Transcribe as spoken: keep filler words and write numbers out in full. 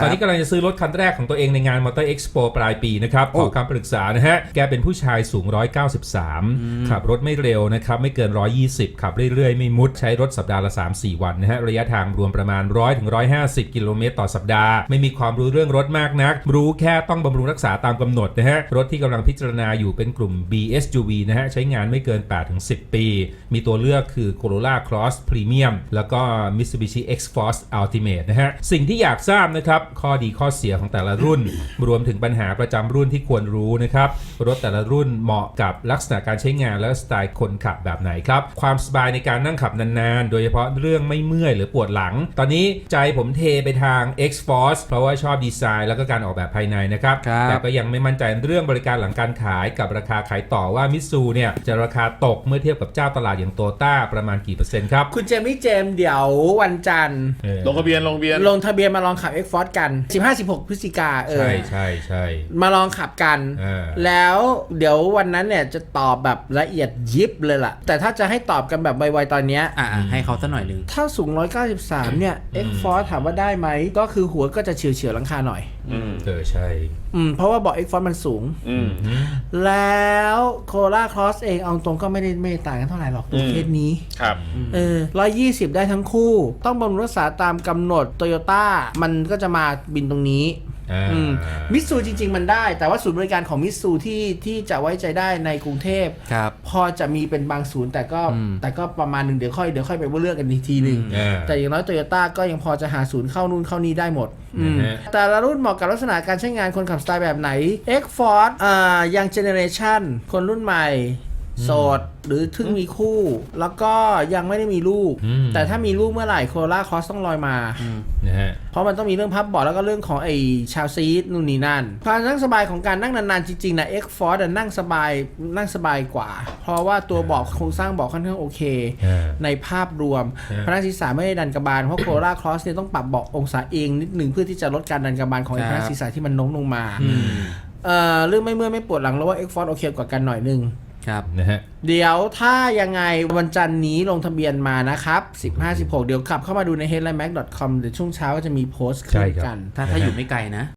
ตอนนี้กำลังจะซื้อรถคันแรกของตัวเองในงาน Motor Expo ปลายปีนะครับขอคำปรึกษานะฮะแกเป็นผู้ชายสูงหนึ่งร้อยเก้าสิบสามขับรถไม่เร็วนะครับไม่เกินหนึ่งร้อยยี่สิบขับเรื่อยๆไม่มุดใช้รถสัปดาห์ละ สามถึงสี่ วันนะฮะระยะทางรวมประมาณหนึ่งร้อยถึงหนึ่งร้อยห้าสิบกิโลเมตรต่อสัปดาห์ไม่มีความรู้เรื่องรถมากนักรู้แค่ต้องบำรุงรักษาตามกำหนดนะฮะรถที่กำลังพิจารณาอยู่เป็นกลุ่ม บี เอส ยู วี นะฮะใช้งานไม่เกิน แปดถึงสิบ ปีมีตัวเลือกคือ Corolla Cross Premium แล้วก็ Mitsubishi X-Force Ultimate นะฮะสิ่งที่อยากทราบนะครับข้อดีข้อเสียของแต่ละรุ่น รวมถึงปัญหาประจำรุ่นที่ควรรู้นะครับรถแต่ละรุ่นเหมาะกับลักษณะการใช้งานและสไตล์คนขับแบบไหนครับความสบายในการนั่งขับนานๆโดยเฉพาะเรื่องไม่เมื่อยหรือปวดหลังตอนนี้ใจผมเทไปทาง X-Force เพราะว่าชอบดีไซน์แล้วก็การออกแบบภายในนะครับแต่ก็ยังไม่มั่นใจเรื่องบริการหลังการขายกับราคาขายต่อว่ามิตซูเนี่ยจะราคาตกเมื่อเทียบกับเจ้าตลาดอย่างโตต้าประมาณกี่เปอร์เซ็นต์ครับคุณเจมี่เจมส์เดี๋ยววันจันทร์ลงทะเบียนลงทะเบียนลงทะเบียนมาลองขับ X-Force กัน สิบห้าสิบหก พฤศจิกาเออใช่ใช่ใช่มาลองขับกันแล้วเดี๋ยววันนั้นเนี่ยจะตอบแบบละเอียดยิบเลยล่ะแต่ถ้าจะให้ตอบกันแบบไวๆตอนเนี้ยอ่าให้เขาสักหน่อยนึงถ้าสูงหนึ่งร้อยเก้าสิบสามเนี่ย X-Force ถามว่าได้ไหมก็คือหัวก็จะเฉียวเฉียวหลังคาหน่อยเออใช่อืมเพราะว่าเบาะ X-Force มันสูงแล้ว Corolla Cross เองเอาตรงก็ไม่ได้ไม่ต่างกันเท่าไหร่หรอกประเภทนี้ครับเออหนึ่งร้อยยี่สิบได้ทั้งคู่ต้องบำรุงรักษาตามกำหนด Toyota มันก็จะมาบินตรงนี้มิตซูจริงๆมันได้แต่ว่าศูนย์บริการของมิตซูที่ที่จะไว้ใจได้ในกรุงเทพพอจะมีเป็นบางศูนย์แต่ก็แต่ก็ประมาณหนึ่งเดี๋ยวค่อยเดี๋ยวค่อยไปว่าเลือกกันอีกทีหนึ่งแต่อย่างน้อยโตโยต้าก็ยังพอจะหาศูนย์เข้านู่นเข้านี่ได้หมดแต่ละรุ่นเหมาะกับลักษณะการใช้งานคนขับสไตล์แบบไหน X-Force อ่ายังเจเนเรชันคนรุ่นใหม่โสดหรือถึงมีคู่แล้วก็ยังไม่ได้มีลูกแต่ถ้ามีลูกเมื่อไหร่โคโรล่าครอสต้องลอยมานะฮะเพราะมันต้องมีเรื่องพับเบาะแล้วก็เรื่องของไอ้ชาวซีทนู่นนี่นั่นความนั่งสบายของการนั่งนานๆจริงๆนะ X-Force นั่งสบายนั่งสบายกว่าเพราะว่าตัวเบาะโครงสร้างเบาะค่อนข้างโอเคในภาพรวมพนักศีรษะไม่ได้ดันกระบาลเพราะโคโรล่าครอสเนี่ยต้องปรับเบาะองศาเองนิดนึงเพื่อที่จะลดการดันกระบาลของไอ้พนักศีรษะที่มันโน้มลงมาเอ่อเรื่องไม่เมื่อยไม่ปวดหลังแล้วว่า X-Force โอเคกว่ากันหน่อยนึงครับนะฮะเดี๋ยวถ้ายังไงวันจันทร์นี้ลงทะเบียนมานะครับสิบห้า สิบหกเดี๋ยวขับเข้ามาดูใน เฮดไลน์แม็ก ดอท คอม เดี๋ยวช่วงเช้าก็จะมีโพสต์ขึ้นกันถ้าถ้าอยู่ไม่ไกลนะ